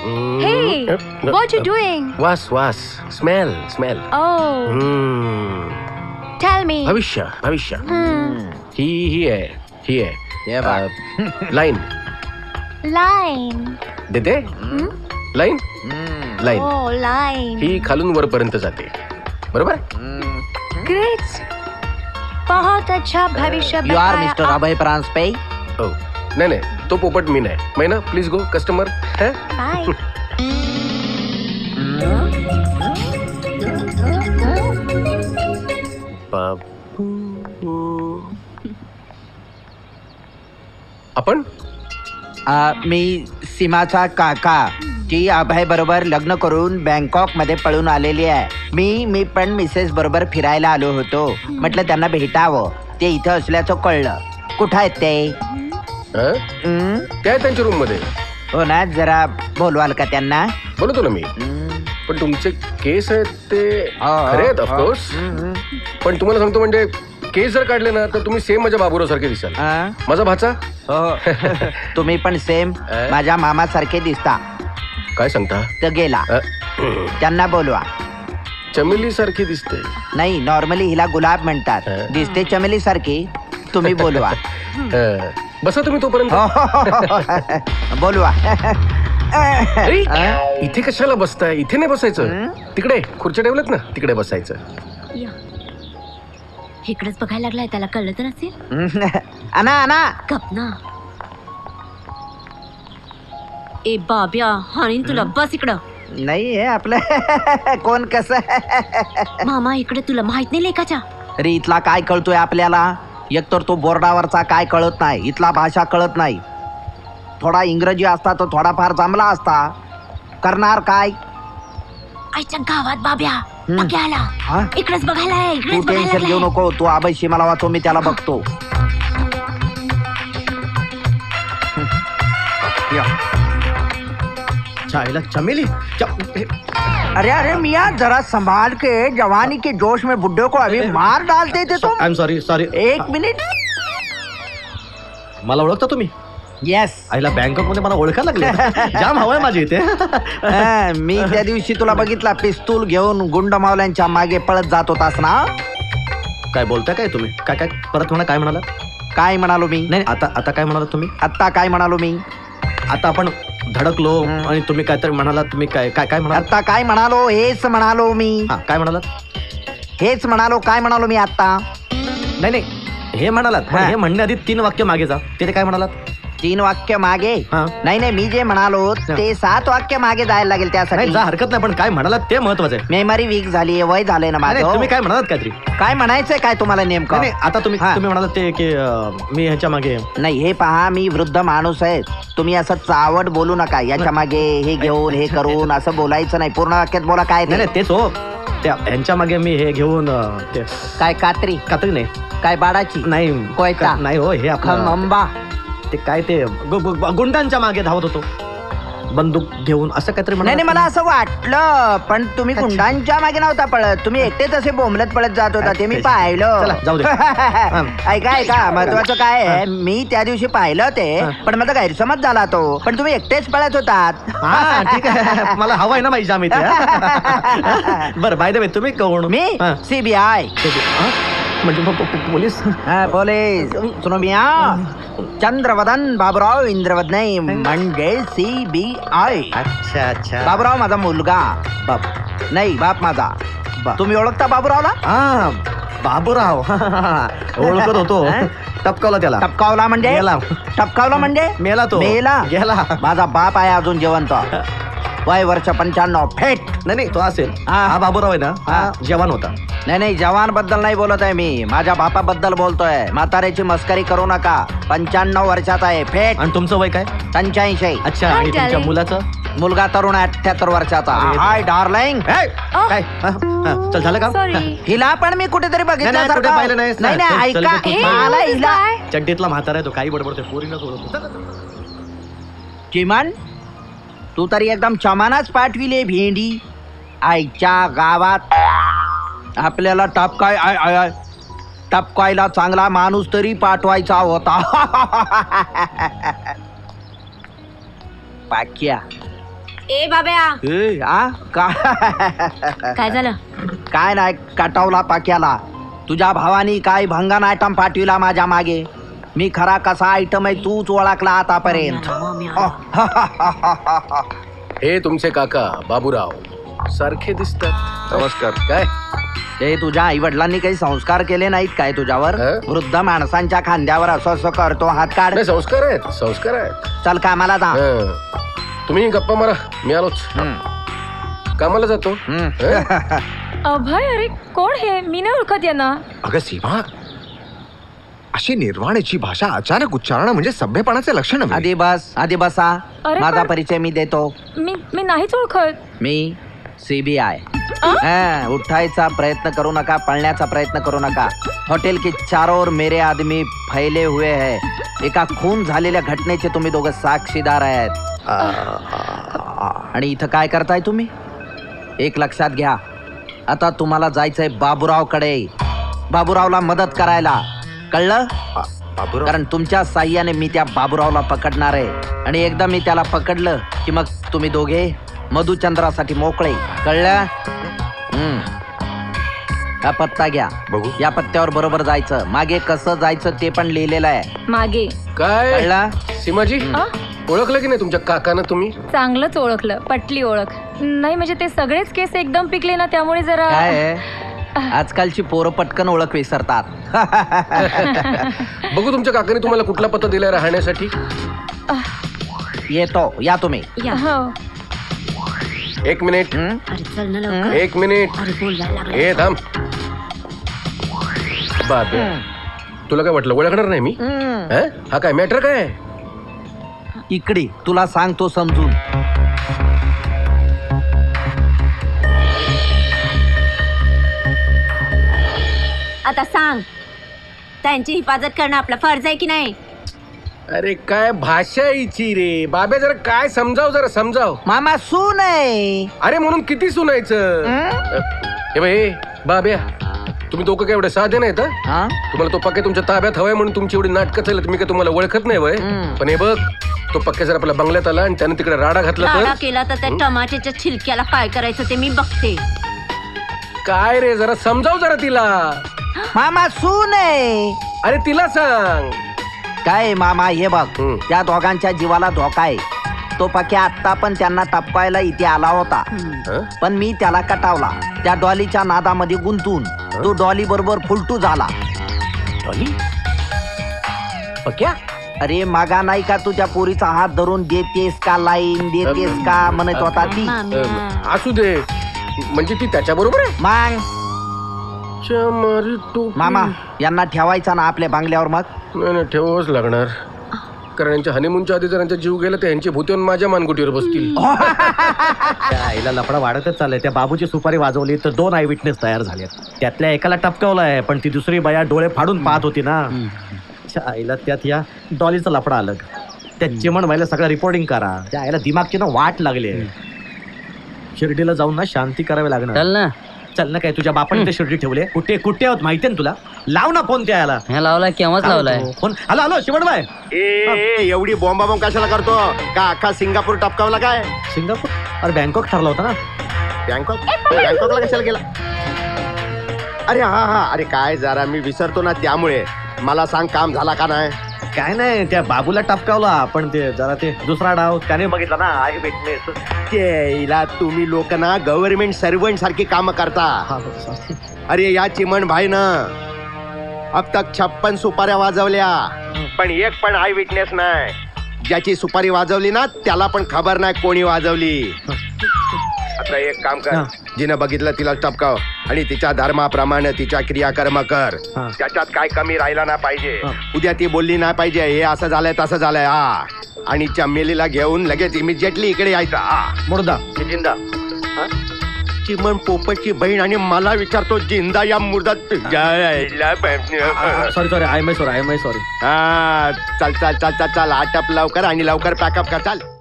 Hey, what you doing? वास वास smell smell. Oh, tell me. भविष्य भविष्य. ही आहे हे बघ. Line Line. देते. Line line Oh, line. ही खालून वरपर्यंत जाते. बरोबर. Great. बहुत अच्छा भविष्य यू आर बताया मिस्टर आप. अभय प्रांसपे. हो नाही तो पोपट मी नाही. मैना प्लीज गो कस्टमर. Bye. आपण मी सीमाचा काका जी अभय बरोबर लग्न करून बँकॉक मध्ये पळून आलेली आहे. मी पण मिसेस बरोबर फिरायला आलो होतो. म्हटलं त्यांना भेटावं. ते इथं असल्याचं कळलं. कुठं आहेत ते? त्या आहेत त्यांच्या रूम मध्ये. हो ना, जरा बोलवाल का त्यांना? बोलतो ना मी. पण तुमचे केस आहेत ते खरे आहेत ऑफकोर्स. पण तुम्हाला सांगतो म्हणजे केस जर काढले ना तर तुम्ही सेम माझ्या बाबूराव सारखे दिसाल. माझा भाचा. हो. तुम्ही पण सेम माझ्या मामा सारखे दिसता. काय सांगता? तर गेला. त्यांना बोलवा. चमेली सारखी दिसते. नाही, नॉर्मली हिला गुलाब म्हणतात. दिसते चमेली सारखी. तुम्ही बोलवा. बसा तुम्ही तोपर्यंत. बोलवा. अरे, इथे कशाला बसताय? इथे नाही बसायचं. तिकडे खुर्च्या ठेवल्यात ना, तिकडे बसायचं. या. इकडेच बघायला लागलाय, त्याला कळलं तर नसेल. आणा गप ना. ए बाब्या, हाणीन तुला. बस इकडं. नाही हे आपलं कोण कसं. मामा इकडे, तुला माहित नाही लेकाच्या. अरे इथला काय कळतोय आपल्याला? एकतर तो बोर्डावरचा काय कळत नाही. इथला भाषा कळत नाही. थोडा इंग्रजी असता तर थोडाफार जमला असता. करणार काय? आईच्या गावात बाब्या आला. हा? इकडेच बघायला आहे, तू इकडेच टेन्शन बघायला घेऊ आहे. नको. तू आबशी मला वाचव, मी त्याला बघतो. चायला चमेली. अरे मियाँ, जरा संभाल के. जवानी के जोश में बुड्ढे को अभी मार डालते थे तुम. I am sorry. एक मिनिट. मला ओळखता तुम्ही? येस. आईला बँकॉक मध्ये मला ओळखायला लागले. जाम हवाय माझी इथे. मी त्या दिवशी तुला बघितला पिस्तूल घेऊन गुंड मावल्यांच्या मागे पळत जात होतास ना. काय बोलताय काय तुम्ही? काय परत म्हणा. काय म्हणाला? काय म्हणालो मी? नाही आता काय म्हणाला तुम्ही? आता काय म्हणालो मी? आता आपण धडकलो आणि तुम्ही काहीतरी म्हणाला. तुम्ही काय म्हणाला? आता काय म्हणालो? हेच म्हणालो मी. काय म्हणाला? हेच म्हणालो. काय म्हणालो मी आता? नाही हे म्हणालात. पण हा. हे म्हणण्याआधी 3 वाक्य मागे जा. ते काय म्हणालात? 3 वाक्य मागे? हा. नाही मी जे म्हणालो ते 7 वाक्य मागे जायला लागेल. त्यासाठी नाही जा, हरकत नाही. पण काय म्हणालात ते महत्वाचं आहे. मेमरी वीक झाली. वय झालंय ना नाही, माझं. तुम्ही काय म्हणालात काहीतरी? काय म्हणायचंय काय तुम्हाला नेमकं? नाही आता तुम्ही हा. म्हणालात ते की मी ह्याच्या मागे. नाही, हे पहा, मी वृद्ध माणूस आहे. तुम्ही असं चावट बोलू नका. याच्या मागे हे घेऊन हे करून असं बोलायचं नाही. पूर्ण वाक्यात बोला. काय ते? नाही तेच हो. त्या ह्यांच्या मागे मी हे घेऊन ते काय कात्री? कातरी नाही. काय बाडाची? नाही कोयता? नाही हो. हे आपलं खंबा? ते काय ते गुंडांच्या मागे धावत होतो बंदूक घेऊन असं काहीतरी. नाही मला असं वाटलं. पण तुम्ही गुंडांच्या मागे नव्हता पळत. तुम्ही एकटेच असे बोंबलत पळत जात होता. ते मी पाहिलं. चला, जाऊ दे. ऐका महत्वाचं काय आहे, मी त्या दिवशी पाहिलं ते. पण माझा गैरसमज झाला तो. पण तुम्ही एकटेच पळत होतात. हा ठीक आहे. मला हवाय ना माझी जाम इथे. बरं बाय द वे तुम्ही कोण? मी CBI. म्हणजे पोलीस? पोलीस. सुनो मिया, चंद्रवदन बाबूराव इंद्रवदन म्हणजे CBI. अच्छा बाबूराव माझा मुलगा. बाप नाही, बाप माझा. तुम्ही ओळखता बाबूरावला? हा बाबूराव. ओळखत होतो. टपकावला त्याला. टपकावला म्हणजे? गेला. टपकावला म्हणजे? मेला तो. मेला? गेला. माझा बाप आहे अजून जिवंत. वय वर्ष 95. फेट. नाही तो असेल. हा. हा बाबूराव आहे ना, हा जवान होता. नाही जवान बद्दल नाही बोलत आहे मी. माझ्या बापाबद्दल बोलतोय. म्हाताऱ्याची मस्करी करू नका. 95 वर्षाचा आहे. फेट. आणि तुमचं वय काय? 85. अच्छा. आणि तुमच्या darling. मुलाचं? मुलगा तरुण आहे, 78 वर्षाचा. Hi darling. काय चल झालं का? सॉरी. हिला पण मी कुठेतरी नाही, कुठे बघितलं. पाहिलं नाहीस ना. नाही चल, ऐका. चल, चल, मला हिला चड्डीतला म्हातारा आहे तो. काही बडबडते पोरीनच ओळखतो. चिमन, तू तरी एकदम चमानाच पाठविले भेंडी. आईच्या गावात आपल्याला टपकायला चांगला माणूस तरी पाठवायचा होता. पाक्या ए बाब्या ए, आ? काय झालं? काय नाही कटावला पाक्याला तुझ्या भावानी काय भंगान आयटम पाठविला माझ्या मागे. मी खरा कसा आयटम आहे तूच ओळखला आतापर्यंत. हे तुमचे काका बाबूराव सारखे दिसतात. नमस्कार. काय ते तुझ्या आई वडिलांनी काही संस्कार केले नाहीत काय तुझ्यावर? वृद्ध माणसांच्या खांद्यावर असं असं करतो हात काढ. नाही, संस्कार आहेत, संस्कार आहेत. चल कामाला जा. तुम्ही गप्पा मारा, मी आलोच. कामाला जातो. अभय, अरे कोण हे? मी नाही ओळखत यांना. अगं सीमा, अशी निर्वाणाची भाषा अचानक उच्चारण म्हणजे सभ्यपणाचे लक्षण आहे. आधी बसा. अरे माझा पण- परिचय मी देतो. मी नाहीच ओळखत. मी CBI. उठायचा प्रयत्न करू नका, पळण्याचा प्रयत्न करू नका. हॉटेल के चारों ओर मेरे आदमी फैले हुए हैं. एका खून झालेल्या घटनेचे तुम्ही दोघं साक्षीदार आहेत. आणि इथं काय करताय तुम्ही? एक लक्षात घ्या, आता तुम्हाला जायचंय बाबूरावकडे. बाबूरावला मदत करायला, कळलं? बाबूराव, कारण तुमच्या साह्याने मी त्या बाबूरावला पकडणार आहे. आणि एकदा मी त्याला पकडलं की मग तुम्ही दोघे मधुचंद्रासाठी मोकळे. कळलं? हा पत्ता घ्या. बघू. या पत्त्यावर बरोबर जायचं. मागे कसं जायचं ते पण लिहिलेलं आहे. मागे. काय कळलं? सीमाजी, ओळखलं की नाही तुमच्या काकांना तुम्ही? चांगलंच ओळखलं, पटली ओळख. नाही म्हणजे ते सगळेच केस एकदम पिकले ना, त्यामुळे जरा. काय आहे? आजकालची पोरं पटकन ओळख विसरतात. बघू तुमच्या काकांनी तुम्हाला कुठला पत्ता दिलाय राहण्यासाठी? येतो, या तुम्ही. हो. एक मिनिट. अरे चल ना लवकर. एक मिनिट. अरे बोलवायला लागला. हे थांब. बाबे, तुला काय वाटलं ओळखणार नाही मी? हा काय मॅटर काय? इकडे तुला सांगतो समजून. आता सांग, त्यांची हिफाजत करणं आपला फर्ज आहे की नाही? अरे काय भाषा हिची रे बाबे, जरा काय समजाव, जरा समजाव. मामा सून आहे. अरे म्हणून किती सुनायचं? हे बाई बाब्या, तुम्ही दोघं काय एवढे साधे नाहीत? हा? तुम्हाला तो पक्के तुमच्या ताब्यात हवाय म्हणून तुमची एवढी नाटकं चालत. मी काय तुम्हाला ओळखत नाही वय? पण हे बघ, तो पक्के जर आपल्या बंगल्यात आला आणि त्याने तिकडे राडा घातला राडा तर केला तर त्या टमाट्याच्या छिलक्याला काय करायचं ते मी बघते. काय रे, जरा समजाव जरा तिला. मामा सून आहे. अरे तिला सांग. काय मामा, हे बघ, हम्म. त्या दोघांच्या जीवाला धोका आहे. तो पक्या आत्ता पण त्यांना टपकायला इथे आला होता, हं? पण मी त्याला कटावला. त्या डॉलीच्या नादामध्ये गुंतून तो डॉली बरोबर फुलटू झाला. डॉली? पक्या? अरे मागा नाही का तुझ्या पोरीचा हात धरून देतेस का लाईन देतेस का म्हणत होता ती. माम्या. असू दे, म्हणजे ती त्याच्या बरोबर आहे? मग मारी टोपी. मामा, यांना ठेवायचा ना आपल्या बांगल्यावर. मग नाही ठेवावंच लागणार, कारण यांच्या हनीमूनच्या आधी जर यांचा जीव गेला तर यांची भूत येऊन माझ्या मानगुटीवर बसतील. त्या आईला लफडा वाढतच चाललाय. त्या बाबूची सुपारी वाजवली तर 2 आय विटनेस तयार झाले. त्यातल्या एकाला टपकवलाय, पण ती दुसरी बाया डोळे फाडून पाहत होती ना. त्या आईला त्यात या डॉलीचा लफडा अलग. त्या चिमण व्हायला सगळं रिपोर्टिंग करा. त्या आईला दिमागची ना वाट लागली. शिर्डीला जाऊन ना शांती करावी लागणार. चल ना. चल ना, काय तुझ्या बापाने ते शिर्डी ठेवले? कुठे कुठे आहोत माहितीये ना तुला? लाव ना फोन त्या याला. ह्या लावलाय, केव्हाच लावलाय. फोन. Hello hello Shivanbai. एवढी बॉम्बा बॉम्ब कशाला करतो? का अख्खा सिंगापूर टपकावला काय? सिंगापूर? अरे बँकॉक ठरला होता ना. बँकॉकला कशाला गेला? अरे हा, अरे काय जरा मी विसरतो ना, त्यामुळे मला सांग, काम झाला का नाही? काय नाही, त्या बाबूला टपकावला, पण ते जरा ते दुसरा डाव त्याने बघितला ना. Eyewitness. तेला तुम्ही लोक ना गव्हर्नमेंट सर्वंट सारखी काम करता. अरे या चिमण भाई ना अब तक 56 सुपाऱ्या वाजवल्या, पण एक पण आय विटनेस नाही. ज्याची सुपारी वाजवली ना त्याला पण खबर नाही कोणी वाजवली. आता एक काम कर, जिनं बघितलं तिला टपकाव आणि तिच्या धर्माप्रमाणे तिच्या क्रियाकर्म कर. त्याच्यात काय कमी राहिला ना पाहिजे. उद्या ती बोलली नाही पाहिजे हे असं झालंय तसं झालंय. हा, आणि चमेलीला घेऊन लगेच इमिजिएटली इकडे यायचं. हा, मुर्दा जिंदा. चिमण पोपटची बहीण आणि मला विचारतो जिंदा या मुर्दा. Sorry I my sorry. हा, चल चल चल चल चल, आटप लवकर आणि लवकर पॅकअप कर. चाल.